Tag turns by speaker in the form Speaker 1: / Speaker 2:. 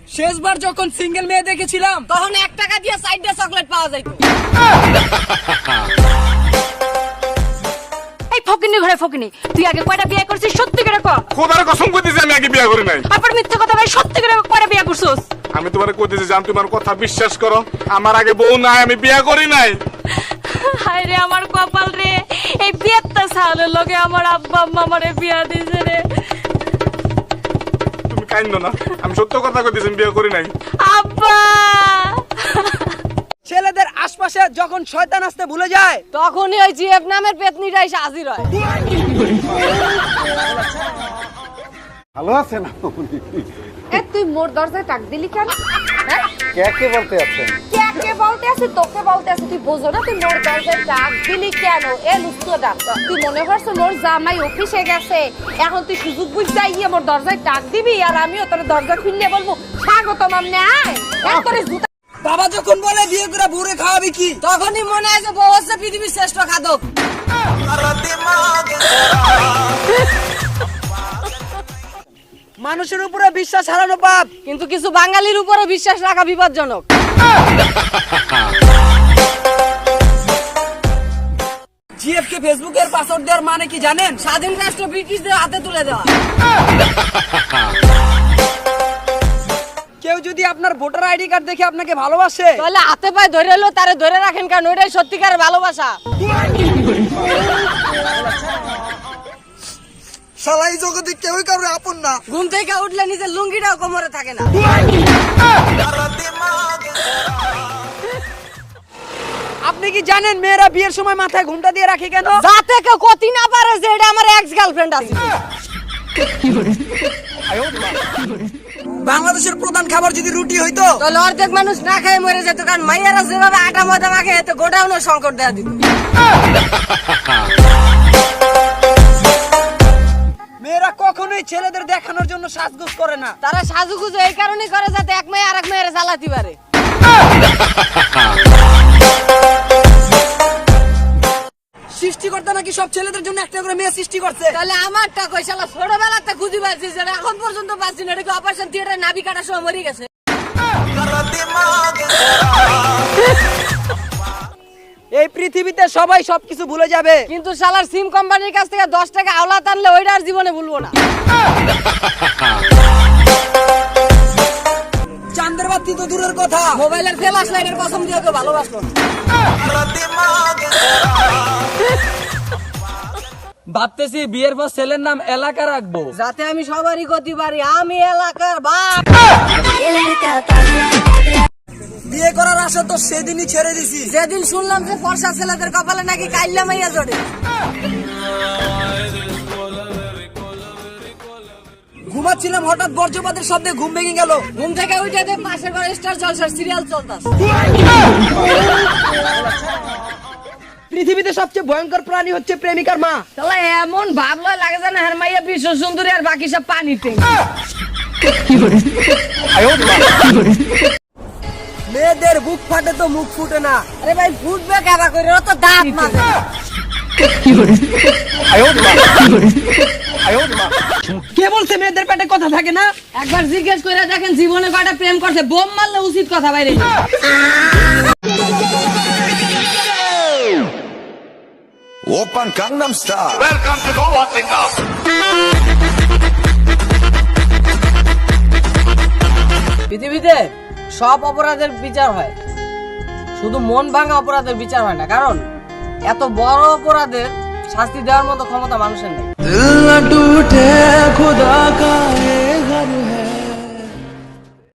Speaker 1: শেষবার যখন সিঙ্গেল মেয়ে দেখেছিলাম তখন 1 টাকা দিয়ে 4টা চকলেট পাওয়া যাইত।
Speaker 2: এই ফকিনি ঘরে ফকিনি, তুই আগে কয়টা বিয়ে করছিস সত্যি করে কও।
Speaker 3: খোদার কসম কইতেছি আমি আগে বিয়ে করি নাই।
Speaker 2: আবার মিথ্যা কথা ভাই, সত্যি করে কয়টা বিয়ে করছিস?
Speaker 3: আমি তোমারে কইতেছি জান, তোমার কথা বিশ্বাস করো, আমার আগে বউ নাই, আমি বিয়ে করি নাই।
Speaker 2: হায় রে আমার কপাল রে, এই বিয়েটা সালের লগে আমার আব্বা আম্মা আমারে বিয়া দিছে রে।
Speaker 3: তুমি কাইন্দো না, আমি সত্য কথা কইতেছি, আমি বিয়ে করি নাই।
Speaker 2: আব্বা
Speaker 1: ছেলেদের আশপাশে যখন শয়তান আসতে ভুলে যায়
Speaker 2: তখনই ওই জিএফ নামের পেতনিটা এসে হাজির হয়।
Speaker 4: ভালো আছেন আপনি?
Speaker 5: এ তুই মোর দরজায় টাক দিলি কেন? হ্যাঁ
Speaker 4: কে বলতে আছেন?
Speaker 5: কে বলতে আছে? তোকে বলতে আছে। তুই বোঝো না তুই মোর দরজায় টাক দিলি কেন? এ লুচ্চোটা, তুই মনে করছ মোর জামাই অফিসে গেছে, এখন তুই সুযোগ বুঝতে গিয়ে মোর দরজায় টাক দিবি আর আমিও তোর দরজা খুললে বলবো স্বাগতম আমনে আয়। এক করে জুতা।
Speaker 1: বাবা যখন বলে বিয়ে করে বুড়ে খাওয়াবি কি, তখনই মনে হয় যে বউ হচ্ছে পৃথিবীর শ্রেষ্ঠ খাদক। মানুষের উপরে বিশ্বাস হারানো পাপ,
Speaker 2: কিন্তু কিছু বাঙালির উপরে বিশ্বাস রাখা বিপজ্জনক।
Speaker 1: জিএফ কে ফেসবুকের পাসওয়ার্ড দেওয়ার মানে কি জানেন? স্বাধীন রাষ্ট্র ব্রিটিশদের হাতে তুলে দেওয়া। কেউ যদি আপনার ভোটার আইডি কার্ড দেখে আপনাকে ভালোবাসে
Speaker 2: তাহলে হাতে পায়ে ধরে এলো তারে ধরে রাখেন, কারণ ওইটাই সত্যিকারের ভালোবাসা।
Speaker 1: শালা এই জগতে কেউই কারোর আপন না। ঘুম থেকে উঠলে নিজের লুঙ্গিটাও কোমরে থাকে না। আপনি কি জানেন মেয়েরা বিয়ের সময় মাথায় ঘুমটা দিয়ে রাখে কেন?
Speaker 2: যাতে কেউ কতি না পারে যে এটা আমার এক্স গার্লফ্রেন্ড আছে।
Speaker 1: বাংলাদেশের প্রধান খাবার যদি রুটি হইতো
Speaker 2: তাহলে অর্ধেক মানুষ না খেয়ে মরে যেত, কারণ মাইয়ারা যেভাবে আটা ময়দা মাখে এতে গোডাউনের সংকট দেয়া দিত।
Speaker 1: মেয়েরা কখনোই ছেলেদের দেখানোর জন্য সাজগোজ করে না।
Speaker 2: তারা সাজুগুজু এই কারণেই করে যাতে এক মেয়ে আরেক মেয়ের জ্বালাতে পারে।
Speaker 1: সৃষ্টিকর্তা নাকি সব ছেলেদের জন্য একটা করে মেয়ে সৃষ্টি করছে।
Speaker 2: তাহলে আমারটা কই শালা ছোটবেলাতে খুঁজি পাচ্ছি, যেটা এখন পর্যন্ত পাচ্ছি না। এটা অপারেশন থিয়েটারে নাভি কাটার সময় মরে গেছে।
Speaker 1: এই পৃথিবীতে সবাই সবকিছু ভুলে যাবে,
Speaker 2: কিন্তু শালার সিম কোম্পানির কাছ থেকে 10 টাকা আওলা টানলে ওইটা আর জীবনে ভুলবো না।
Speaker 1: চাঁদের বাতি তো দূরের কথা,
Speaker 2: মোবাইলের ফ্ল্যাশ লাইটের কসম দিয়ে ওকে ভালোবাসলো।
Speaker 1: ভাবতেছি বিয়ের পর ছেলের নাম এলাকা রাখবো,
Speaker 2: যাতে আমি সবারই গতি পারি, আমি এলাকার বাপ।
Speaker 1: বিয়ে করার আশা তো সেদিনই ছেড়ে দিছি
Speaker 2: যেদিন শুনলাম যে ফর্সা ছেলেদের কপালে নাকি কাইল্লা মাইয়া জড়ে।
Speaker 1: ঘুমাচ্ছিলাম, হঠাৎ বজ্রপাতের শব্দে ঘুম ভেঙে গেল।
Speaker 2: ঘুম থেকে উঠে দেখ পাশের ঘরে স্টার জলসার সিরিয়াল চলতেছে।
Speaker 1: পৃথিবীতে সবচেয়ে ভয়ঙ্কর প্রাণী হচ্ছে প্রেমিকার মা।
Speaker 2: তাহলে এমন ভাবলো লাগে যেন হের মাইয়া বিশ্ব সুন্দরী আর বাকি সব পানিতে।
Speaker 1: মেয়েদের বুক ফাটে তো মুখ ফুটে না।
Speaker 2: আরে ভাই ফুটবে কারা করে, ও তো দাঁত মাঝে।
Speaker 1: কে বলছে মেয়েদের পেটে কথা থাকে না?
Speaker 2: একবার জিজ্ঞেস করে দেখেন জীবনে কয়টা প্রেম করছে, বোম মারলে উচিত কথা বাইরে।
Speaker 6: Open Gangnam Style.
Speaker 3: Welcome to the Watching Up.
Speaker 2: পৃথিবীতে সব অপরাধের বিচার হয়, শুধু মন ভাঙা অপরাধের বিচার হয় না, কারণ এত বড় অপরাধের শাস্তি দেওয়ার মতো ক্ষমতা মানুষের নেই।